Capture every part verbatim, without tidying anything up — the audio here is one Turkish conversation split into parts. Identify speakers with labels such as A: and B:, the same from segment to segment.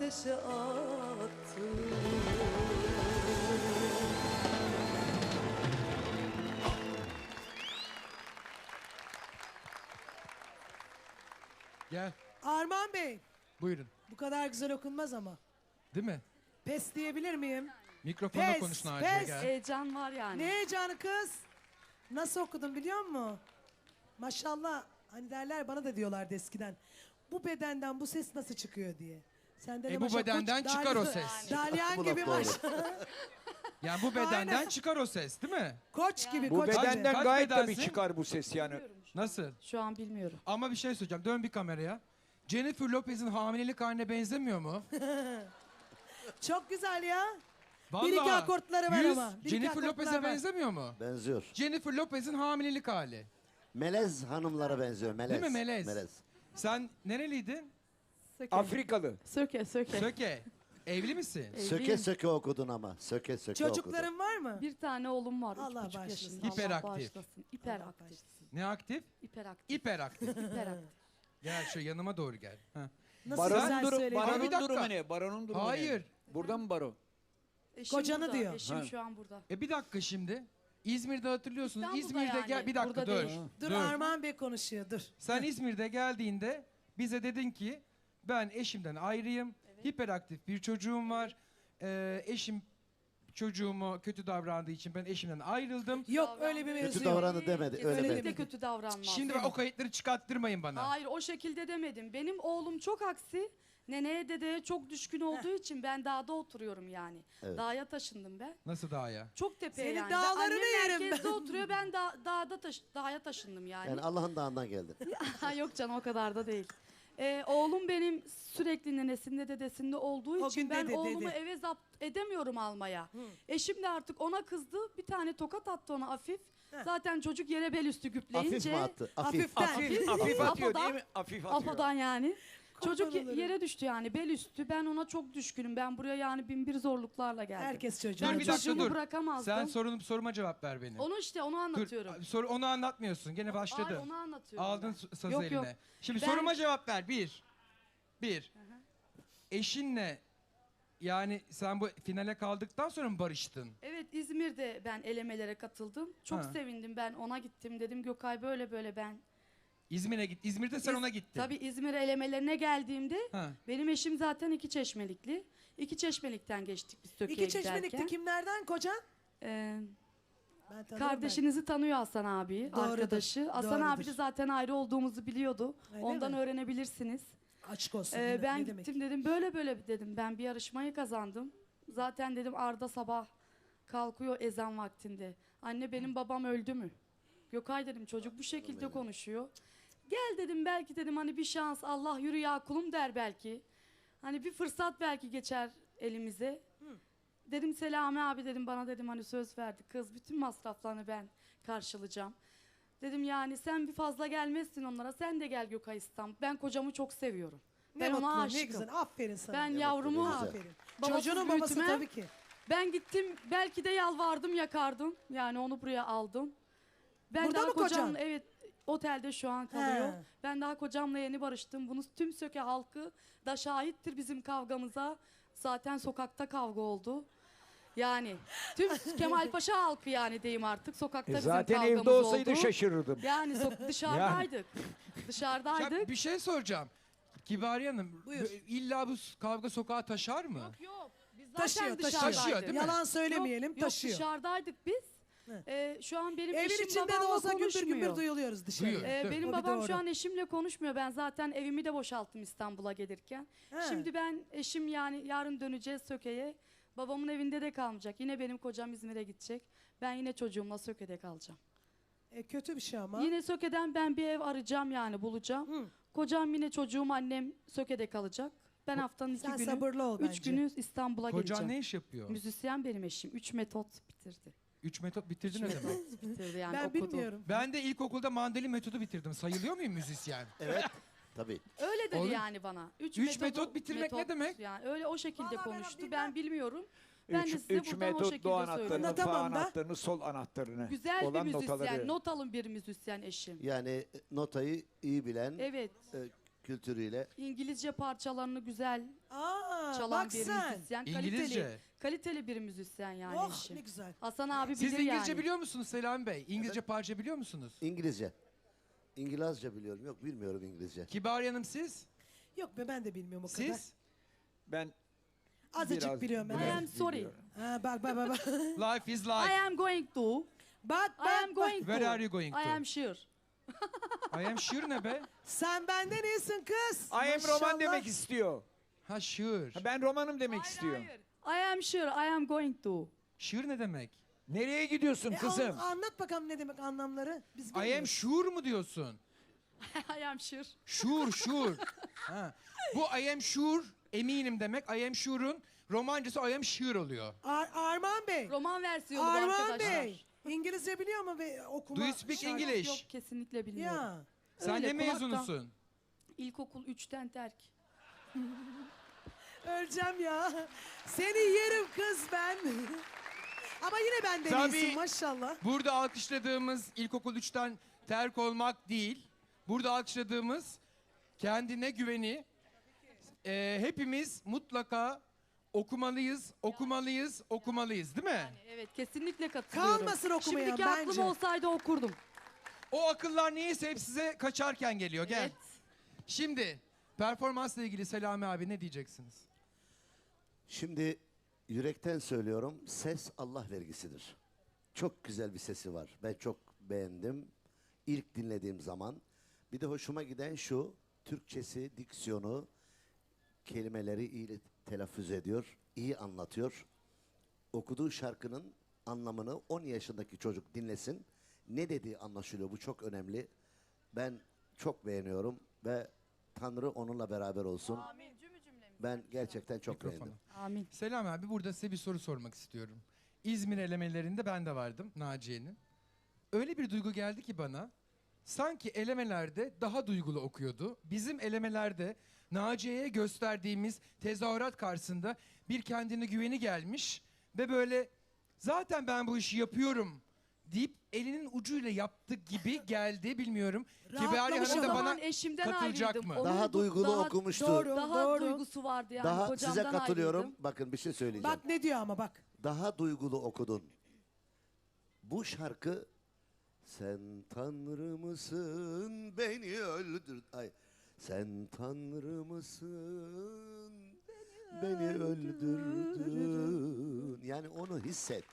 A: ateşe attım.
B: Gel.
C: Armağan Bey,
B: Buyurun.
C: bu kadar güzel okunmaz ama.
B: Değil mi?
C: Pes diyebilir miyim?
B: Mikrofonla
C: Pes,
B: konuşun Naciye,
C: pes.
B: gel.
D: Heyecan var yani.
C: Ne heyecanı kız? Nasıl okudun biliyor musun? Maşallah, hani derler, bana da diyorlardı eskiden. Bu bedenden bu ses nasıl çıkıyor diye. Senden
B: E, bu bedenden çıkar o ses.
C: Dalyan
E: Bu da
C: gibi
E: doğru.
C: maşallah.
B: Yani bu bedenden
C: Aynen.
B: çıkar o ses değil mi?
C: Koç gibi,
F: Bu
C: koç gibi.
F: bedenden
B: Kaç
F: gayet tabii
B: bedensin?
F: çıkar bu ses yani.
B: Nasıl?
D: Şu an bilmiyorum.
B: Ama bir şey söyleyeceğim. Dön bir kameraya. Jennifer Lopez'in hamilelik haline benzemiyor mu?
C: Çok güzel ya.
B: Vallahi.
C: Bir iki akortları var
B: Yüz,
C: ama. Bir iki
B: Jennifer
C: akortları
B: Lopez'e
C: var.
B: benzemiyor mu?
E: Benziyor.
B: Jennifer Lopez'in hamilelik hali.
E: Melez hanımlara benziyor. Melez.
B: Değil mi Melez?
E: Melez.
B: Sen nereliydin?
D: Söke.
F: Afrikalı.
D: Söke, söke.
B: Söke. Evli misin?
D: Evliyim.
E: Söke söke okudun ama. Söke söke okudun.
C: Çocukların var mı?
D: Bir tane oğlum var.
C: Allah
D: üç buçuk
C: bağışlasın.
D: yaşında.
B: Hiperaktif.
D: Allah bağışlasın. Hiperaktif.
B: Ne aktif?
D: Hiperaktif.
B: Hiperaktif.
D: Hiperaktif.
B: Gel şu yanıma doğru gel. Ha.
C: Nasıl
F: Baron
C: güzel
F: duru-
C: söyledi.
B: Ama bir
F: Baronun
B: dakika.
F: durumu ne? Baronun durumu
B: Hayır.
F: ne? Burada mı baro?
D: Eşim
C: Kocanı
D: burada,
C: diyor.
D: Eşim
F: Ha.
D: şu an burada.
B: E bir dakika şimdi. İzmir'de hatırlıyorsunuz.
D: İstanbul'da
B: İzmir'de
D: yani,
B: gel bir dakika
D: burada
B: dur.
D: değil.
C: Dur,
B: Dur.
C: Armağan Bey konuşuyor, dur.
B: Sen İzmir'de geldiğinde bize dedin ki ben eşimden ayrıyım. Hiperaktif bir çocuğum var. Ee, eşim çocuğumu kötü davrandığı için ben eşimden ayrıldım.
C: Yok öyle bir mevzu
E: Kötü
C: yok.
E: davrandı demedi. Öyle
D: Kesinlikle
E: demedi.
D: kötü davranmaz.
B: Şimdi bak o kayıtları çıkarttırmayın bana.
D: Hayır o şekilde demedim. Benim oğlum çok aksi. Neneye dedeye çok düşkün olduğu için ben dağda oturuyorum yani.
E: Evet.
D: Dağa taşındım ben.
B: Nasıl daha ya?
D: Çok tepeye
C: Senin
D: yani.
C: dağlarını
D: Annem
C: yerim
D: merkezde
C: ben.
D: oturuyor ben da, dağda taş, dağa taşındım yani.
E: Yani Allah'ın dağından geldin.
D: Ha, yok canım o kadar da değil. Ee, oğlum benim sürekli nenesinde dedesinde olduğu
C: O
D: için
C: gün
D: ben
C: dedi,
D: oğlumu
C: dedi.
D: eve zapt edemiyorum almaya. Eşim de artık ona kızdı. Bir tane tokat attı ona hafif. Zaten çocuk yere bel üstü güpleyince.
E: Hafif mi attı? Hafif.
C: Hafiften.
F: Hafif, hafif atıyor
D: Apodan-
F: değil mi? Hafif atıyor.
D: Apodan yani. Çocuk
C: olurum.
D: yere düştü yani bel üstü. Ben ona çok düşkünüm. Ben buraya yani bin bir zorluklarla geldim.
C: Herkes çocuğu.
B: Dur
D: Ben
B: bir dakika
D: çocuğumu
B: dur.
D: bırakamazdım.
B: Sen sorunum soruma cevap ver benim.
D: Onu işte onu anlatıyorum.
B: Dur, sor, onu anlatmıyorsun. Gene başladı.
D: Ay, onu anlatıyorum.
B: Aldın
D: ben.
B: s- sazı
D: Yok,
B: eline.
D: yok.
B: Şimdi
D: Ben-
B: soruma cevap ver. Bir. Bir. Eşinle yani sen bu finale kaldıktan sonra mı barıştın?
D: Evet İzmir'de ben elemelere katıldım. Çok
B: Ha.
D: sevindim ben ona gittim. Dedim Gökay böyle böyle ben.
B: İzmir'e git. İzmir'de sen
D: İz-
B: ona gittin.
D: Tabii İzmir elemelerine geldiğimde
B: Ha.
D: benim eşim zaten iki çeşmelikli. İki çeşmelikten geçtik biz Söke'ye
C: İki çeşmelikte
D: giderken.
C: kimlerden kocan?
D: Ee,
C: Ben tanırım
D: kardeşinizi tanıyor Hasan abi,
C: Doğrudur,
D: arkadaşı. Hasan
C: doğrudur.
D: abi de zaten ayrı olduğumuzu biliyordu.
C: Öyle
D: Ondan
C: mi?
D: öğrenebilirsiniz.
C: ben. Açık olsun.
D: Ee,
C: ne-
D: ben
C: ne
D: gittim
C: demek?
D: dedim böyle böyle dedim ben bir yarışmayı kazandım. Zaten dedim Arda sabah kalkıyor ezan vaktinde. Anne benim babam öldü mü? Gökay dedim çocuk bu şekilde konuşuyor. Gel dedim belki dedim hani bir şans Allah yürü ya kulum der belki. Hani bir fırsat belki geçer elimize. Dedim Selami abi dedim bana dedim hani söz verdi kız bütün masraflarını ben karşılayacağım. Dedim yani sen bir fazla gelmezsin onlara sen de gel Gökay İstanbul. Ben kocamı çok seviyorum.
C: Ne
D: Ben ona
C: mutlu, ne
D: aşığım.
C: güzel. Aferin sana.
D: Ben
E: Ne
D: yavrumu
E: mutlu, ne güzel.
C: Aferin.
D: Babasız
C: Çocuğunun babası
D: büyütmem.
C: tabii ki.
D: ben gittim belki de yalvardım yakardım. Yani onu buraya aldım. Ben
C: Burada
D: daha
C: mı
D: kocamla
C: kocan?
D: evet otelde şu an kalıyor.
C: He.
D: Ben daha kocamla yeni barıştım. Bunu tüm Söke halkı da şahittir bizim kavgamıza. Zaten sokakta kavga oldu. Yani tüm Kemalpaşa halkı yani diyeyim artık sokakta
F: E
D: bizim
F: zaten
D: kavgamız
F: evde olsaydı
D: oldu.
F: şaşırırdım.
D: Yani so- dışarıdaydık. Dışarıdaydık.
B: Ya bir şey soracağım. Kibariye Hanım,
C: Buyur.
B: bö- illa bu s- kavga sokağa taşar mı?
D: Yok yok. Biz zaten
C: Taşıyor, taşıyor.
D: dışarıdaydık.
B: Taşıyor, değil mi?
C: Yalan söylemeyelim,
D: yok,
C: taşıyor.
D: Yok dışarıdaydık biz.
C: He.
D: Ee, şu an benim
C: Evin
D: eşim
C: içinde de
D: babamla
C: olsa gümbür
D: konuşmuyor.
C: gümbür duyuluyoruz dışarı.
B: Duyuyor.
D: Ee,
B: Değil mi?
D: benim
C: O bir
D: babam
C: doğru.
D: şu an eşimle konuşmuyor. Ben zaten evimi de boşalttım İstanbul'a gelirken.
C: He.
D: Şimdi ben eşim yani yarın döneceğiz Söke'ye. Babamın evinde de kalmayacak. Yine benim kocam İzmir'e gidecek. Ben yine çocuğumla Söke'de kalacağım.
C: E, kötü bir şey ama.
D: Yine Söke'den ben bir ev arayacağım yani bulacağım.
C: Hı.
D: Kocam yine çocuğum annem Söke'de kalacak. Ben haftanın iki
C: Sen
D: günü,
C: sabırlı ol
D: üç
C: bence.
D: günü İstanbul'a
B: Kocan
D: geleceğim.
B: ne iş yapıyor?
D: Müzisyen benim eşim. Üç metot bitirdi.
B: Üç metot bitirdin ne demek?
D: Bitirdi yani
C: Ben
D: okudu.
C: bilmiyorum.
B: Ben de ilkokulda mandolin metodu bitirdim. Sayılıyor muyum müzisyen?
E: Evet. Tabii.
D: Öyle dedi
B: Oğlum,
D: yani bana. Üç,
B: üç
D: metodu-
B: metot bitirmek ne demek?
D: Yani öyle o şekilde
C: Vallahi ben
D: konuştu.
C: bilmem.
D: Ben bilmiyorum. Ben de
F: Üç,
D: size
F: üç
D: buradan o
F: metot
D: şekilde
F: do anahtarını,
D: söylüyorum.
F: fa
C: Tamam da.
F: anahtarını, sol anahtarını.
D: Güzel bir
F: olan
D: müzisyen,
F: notaları.
D: not alın bir müzisyen eşim.
E: Yani notayı iyi bilen,
D: Evet.
E: e, kültürüyle.
D: İngilizce parçalarını güzel
C: Aa,
D: çalan
C: bak
D: bir
C: sen.
D: müzisyen.
B: İngilizce.
D: Kaliteli, kaliteli bir müzisyen yani
C: Oh
D: eşim.
C: ne güzel.
D: Hasan abi
B: Siz
D: bilir
B: İngilizce
D: yani.
B: biliyor musunuz Selami Bey? İngilizce parça biliyor musunuz?
E: İngilizce. İngilizce biliyorum. Yok bilmiyorum İngilizce.
B: Kibariye Hanım siz?
C: Yok be ben de bilmiyorum o kadar.
B: Siz?
F: Ben
C: Azıcık
F: biraz-
C: biliyorum ben.
D: I
F: biraz
D: am sorry.
F: biliyorum.
C: Ha, bak bak bak. Bak
B: Life is
D: I
B: life.
D: am going to.
C: bak
D: I am
C: bak. bak.
D: going to.
B: Where are you going
D: I
B: to?
D: am sure.
B: I am sure ne be?
C: Sen benden iyisin kız.
F: I am
C: Maşallah.
F: roman demek istiyor.
B: Ha sure.
F: Ha, Ben romanım demek istiyor.
D: I am sure I am going to.
B: Sure ne demek?
F: Nereye gidiyorsun
C: E,
F: kızım?
C: an- anlat bakalım ne demek anlamları. Biz
B: I am
C: bilmiyoruz.
B: sure mu diyorsun?
D: I am sure.
B: Sure, sure. Ha. Bu I am sure, eminim demek. I am sure'un romancası I am sure oluyor.
C: Ar- Arman Bey.
D: Roman versiyonu bu
C: Arman
D: arkadaşlar.
C: Bey. İngilizce biliyor mu ve okuma?
B: Do you speak
C: şarkı-
B: English?
D: Yok kesinlikle bilmiyorum.
C: Ya.
B: Sen
D: Öyle,
B: ne
D: kulaktan.
B: mezunusun?
D: İlkokul üçten terk.
C: Öleceğim ya. Seni yerim kız ben. Ama yine benden
B: Tabii.
C: iyisin maşallah.
B: Burada alkışladığımız ilkokul üçten terk olmak değil. Burada alkışladığımız kendine güveni. Ee, hepimiz mutlaka okumalıyız, okumalıyız, okumalıyız değil mi?
D: Yani evet kesinlikle katılıyorum.
C: Kalmasın okumayan
D: Şimdiki aklım
C: bence.
D: olsaydı okurdum.
B: O akıllar niyeyse hep size kaçarken geliyor. Gel.
D: Evet.
B: Şimdi performansla ilgili Selami abi ne diyeceksiniz?
E: Şimdi yürekten söylüyorum. Ses Allah vergisidir. Çok güzel bir sesi var. Ben çok beğendim. İlk dinlediğim zaman. Bir de hoşuma giden şu. Türkçesi, diksiyonu, kelimeleri iyi telaffuz ediyor. İyi anlatıyor. Okuduğu şarkının anlamını on yaşındaki çocuk dinlesin. Ne dediği anlaşılıyor. Bu çok önemli. Ben çok beğeniyorum ve Tanrı onunla beraber olsun. Ben gerçekten çok
B: Mikrofonu.
E: beğendim.
D: Amin.
B: Selam abi, burada size bir soru sormak istiyorum. İzmir elemelerinde ben de vardım, Naciye'nin. Öyle bir duygu geldi ki bana, sanki elemelerde daha duygulu okuyordu. Bizim elemelerde Naciye'ye gösterdiğimiz tezahürat karşısında bir kendine güveni gelmiş ve böyle zaten ben bu işi yapıyorum deyip elinin ucuyla yaptı gibi geldi, bilmiyorum. Kibariye
C: Rahatlamış
B: Hanım
D: O
B: da
C: ama.
B: bana
D: zaman eşimden
B: katılacak
D: ayrıydım.
B: mı?
D: Onun
E: Daha
D: du-
E: duygulu
D: daha,
E: okumuştu.
C: Doğru.
D: Daha duygusu vardı yani.
E: Daha
D: Kocamdan
E: size katılıyorum.
D: ayrıydım.
E: Bakın bir şey söyleyeceğim.
C: Bak ne diyor ama bak.
E: Daha duygulu okudun. Bu şarkı sen Tanrı mısın beni öldür. Ay sen Tanrı mısın beni öldürdün. Yani onu hisset.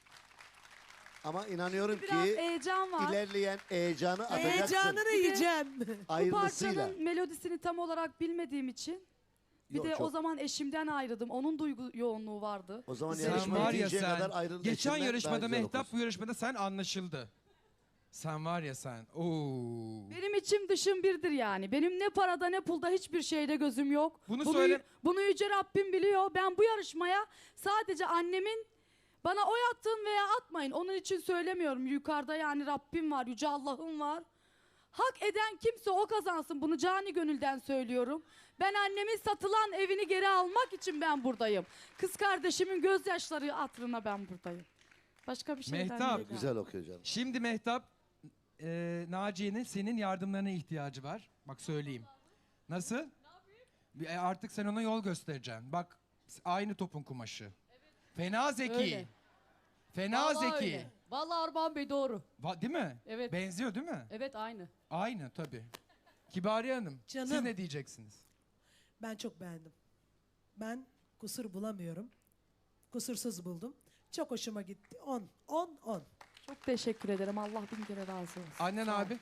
E: Ama inanıyorum
D: Biraz
E: ki
D: heyecan var.
E: ilerleyen heyecanı atacaksın.
C: Heyecanını yiyeceğim.
D: Bu
E: Ayrılısıyla.
D: parçanın melodisini tam olarak bilmediğim için bir
E: Yok,
D: de o
E: çok-
D: zaman eşimden ayrıldım. Onun duygu yoğunluğu vardı.
E: O zaman
B: Sen
E: yarışma
B: var ya
E: bitinceye
B: sen,
E: kadar ayrılın.
B: geçen
E: eşinden daha
B: yarışmada
E: güzel
B: Mehtap,
E: okursun.
B: bu yarışmada sen anlaşıldı. Sen var ya sen. Oo.
D: Benim içim dışım birdir yani. Benim ne parada ne pulda hiçbir şeyde gözüm yok.
B: Bunu
D: bunu,
B: söyle-
D: bunu Yüce Rabbim biliyor. Ben bu yarışmaya sadece annemin bana oy attın veya atmayın. Onun için söylemiyorum. Yukarıda yani Rabbim var, Yüce Allah'ım var. Hak eden kimse o kazansın. Bunu cani gönülden söylüyorum. Ben annemin satılan evini geri almak için ben buradayım. Kız kardeşimin gözyaşları hatırına ben buradayım. Başka bir şeyden
B: Mehtap.
D: değil. yani.
E: Güzel okuyor canım.
B: Şimdi Mehtap, e, Naciye'nin senin yardımlarına ihtiyacı var. Bak söyleyeyim. Nasıl? Bir- e, Artık sen ona yol göstereceksin. Bak aynı topun kumaşı. Fena zeki.
G: Öyle.
B: Fena
G: Vallahi
B: zeki.
G: öyle. Vallahi Armağan Bey doğru.
B: Va- değil mi?
G: Evet.
B: Benziyor değil mi?
G: Evet aynı.
B: Aynı tabii. Kibariye Hanım, siz
C: Canım.
B: ne diyeceksiniz?
C: Ben çok beğendim. Ben kusur bulamıyorum. Kusursuz buldum. Çok hoşuma gitti. on, on, on.
D: Çok teşekkür ederim. Allah bin kere razı olsun.
B: Annen
D: Sağ ol.
B: abi.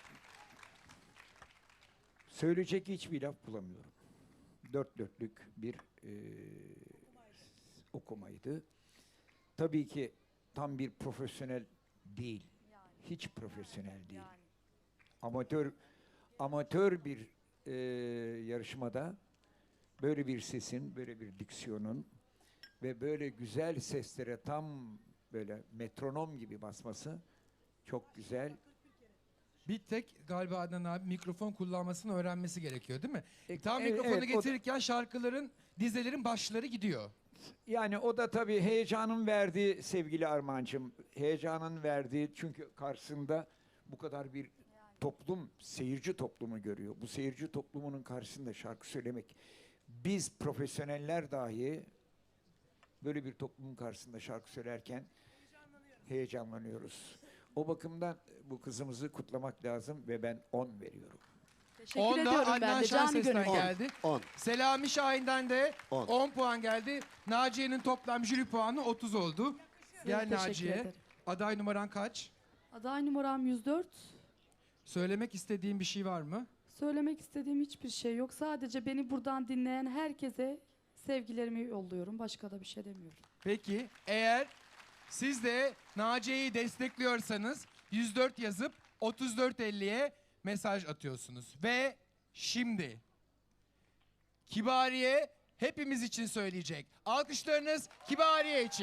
F: Söyleyecek hiçbir laf bulamıyorum. Dört dörtlük bir e, okumaydı. Tabii ki tam bir profesyonel değil. Hiç profesyonel değil. Amatör amatör bir e, yarışmada böyle bir sesin, böyle bir diksiyonun ve böyle güzel seslere tam böyle metronom gibi basması çok güzel.
B: Bir tek galiba Adnan abi mikrofon kullanmasını öğrenmesi gerekiyor değil mi?
F: E,
B: Tam
F: evet,
B: mikrofonu
F: evet, o da-
B: getirirken şarkıların, dizelerin başları gidiyor.
F: Yani o da tabii heyecanın verdiği sevgili Armağan'cığım. Heyecanın verdiği çünkü karşısında bu kadar bir toplum, seyirci toplumu görüyor. Bu seyirci toplumunun karşısında şarkı söylemek, biz profesyoneller dahi böyle bir toplumun karşısında şarkı söylerken heyecanlanıyoruz. O bakımdan bu kızımızı kutlamak lazım ve ben on veriyorum.
D: Teşekkür
B: on da
D: ediyorum ben
B: Adnan
D: de. Canı
B: Şenses'ten
D: gönülden.
B: geldi.
E: on.
B: Selami Şahin'den de
E: On.
B: on puan geldi. Naciye'nin toplam jüri puanı otuz oldu. Gel
D: Teşekkür
B: Naciye.
D: ederim.
B: Aday numaran kaç?
D: Aday numaram yüz dört.
B: Söylemek istediğin bir şey var mı?
D: Söylemek istediğim hiçbir şey yok. Sadece beni buradan dinleyen herkese sevgilerimi yolluyorum. Başka da bir şey demiyorum.
B: Peki eğer siz de Naciye'yi destekliyorsanız yüz dört yazıp otuz dört elliye mesaj atıyorsunuz. Ve şimdi Kibariye hepimiz için söyleyecek. Alkışlarınız Kibariye için.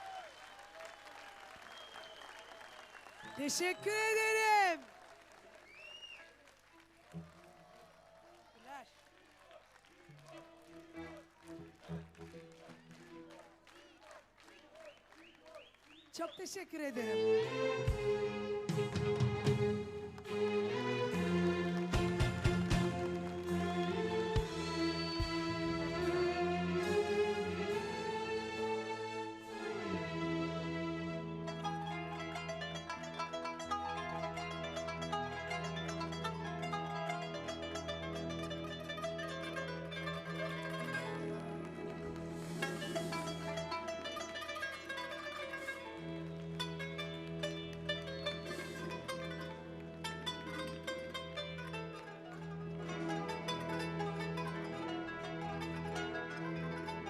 C: Teşekkür ederim. Çok teşekkür ederim.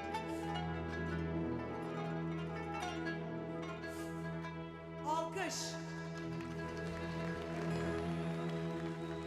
C: Alkış.